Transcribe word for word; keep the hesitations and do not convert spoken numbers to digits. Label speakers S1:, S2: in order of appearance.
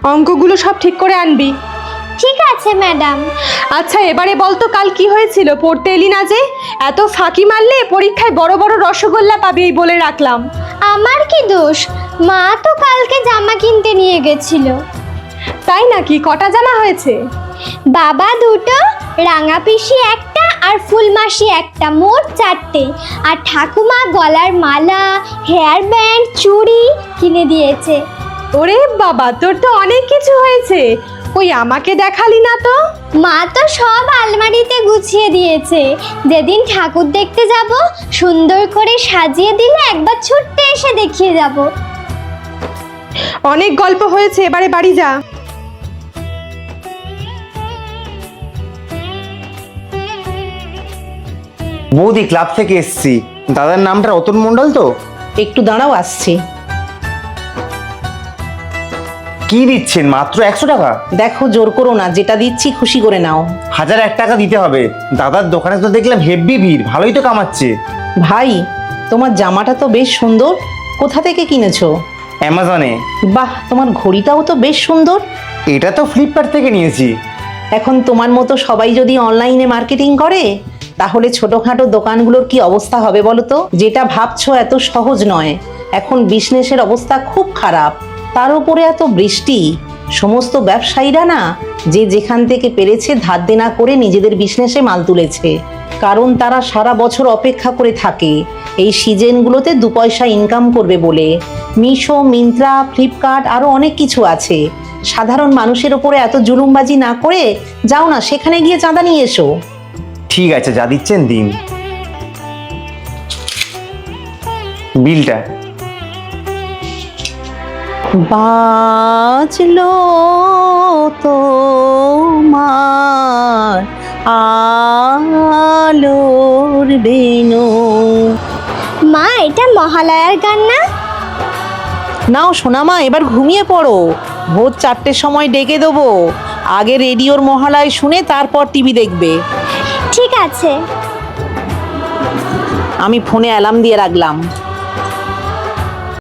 S1: অঙ্কগুলো সব ঠিক করে আনবি।
S2: ঠিক আছে ম্যাডাম।
S1: আচ্ছা এবারে বল তো কাল কি হয়েছিল, পড়তে এলি না যে? এত ফাঁকি মারলে পরীক্ষায় বড় বড় রসগোল্লা পাবি এই বলে রাখলাম।
S2: আমার কি দোষ? মা তো কালকে জামা কিনতে নিয়ে গেছিল।
S1: তাই নাকি? কটা জামা হয়েছে?
S2: বাবা দুটো, রাঙা পিসি একটা আর ফুলমাসি একটা, মোট চারটে। আর ঠাকুমা গলার মালা, হেয়ার ব্যান্ড, চুড়ি কিনে দিয়েছে।
S1: ওরে বাবা, তোর তো অনেক কিছু হয়েছে। ওই আমাকে দেখালি না তো?
S2: মা তো সব আলমারিতে গুছিয়ে দিয়েছে। যেদিন ঠাকুর দেখতে যাব সুন্দর করে সাজিয়ে দিলে একবার ছুটতে এসে দেখিয়ে যাব।
S1: অনেক গল্প হয়েছে, এবারে বাড়ি যা।
S3: বৌদি, ক্লাব থেকে এসছি। দাদার নামটা রতন মণ্ডল তো?
S4: একটু দাঁড়াও, আসছি।
S3: কি দিচ্ছেন? মাত্র একশো টাকা?
S4: দেখো, জোর করো না, যেটা দিচ্ছি খুশি করে নাও।
S3: হাজার এক টাকা দিতে হবে। দাদার দোকানে তো দেখলাম হেব্বি ভিড়, ভালোই তো কামাচ্ছে।
S4: ভাই, তোমার জামাটা তো বেশ সুন্দর, কোথা থেকে কিনেছো?
S3: অ্যামাজনে।
S4: বাহ, তোমার ঘড়িটাও তো বেশ সুন্দর।
S3: এটা তো ফ্লিপকার্ট থেকে নিয়েছি।
S4: এখন তোমার মতো সবাই যদি অনলাইনে মার্কেটিং করে, তাহলে ছোটোখাটো দোকানগুলোর কি অবস্থা হবে বলো তো? যেটা ভাবছো এত সহজ নয়। এখন বিজনেসের অবস্থা খুব খারাপ, তার উপরে এত বৃষ্টি। সমস্ত ব্যবসায়ীরা না, যে যেখান থেকে পেরেছে ধার দেনা করে নিজেদের বিজনেসে মাল তুলেছে। কারণ তারা সারা বছর অপেক্ষা করে থাকে এই সিজনগুলোতে দু পয়সা ইনকাম করবে বলে। মিশো, মিন্ত্রা, ফ্লিপকার্ট আরও অনেক কিছু আছে। সাধারণ মানুষের ওপরে এত জুলুমবাজি না করে যাও না, সেখানে গিয়ে চাঁদা নিয়ে এসো।
S3: ঠিক আছে, যা দিচ্ছেন দিন। বিলটা।
S4: বাজলো তোমার আলোর বেনু।
S2: মা, এটা মহালয়ার গান না?
S4: নাও সোনামা, এবার ঘুমিয়ে পড়ো। ভোর চারটের সময় ডেকে দেবো। আগে রেডিওর মহালয় শুনে তারপর টিভি দেখবে।
S2: ঠিক আছে।
S4: আমি ফোনে অ্যালার্ম দিয়ে রাখলাম।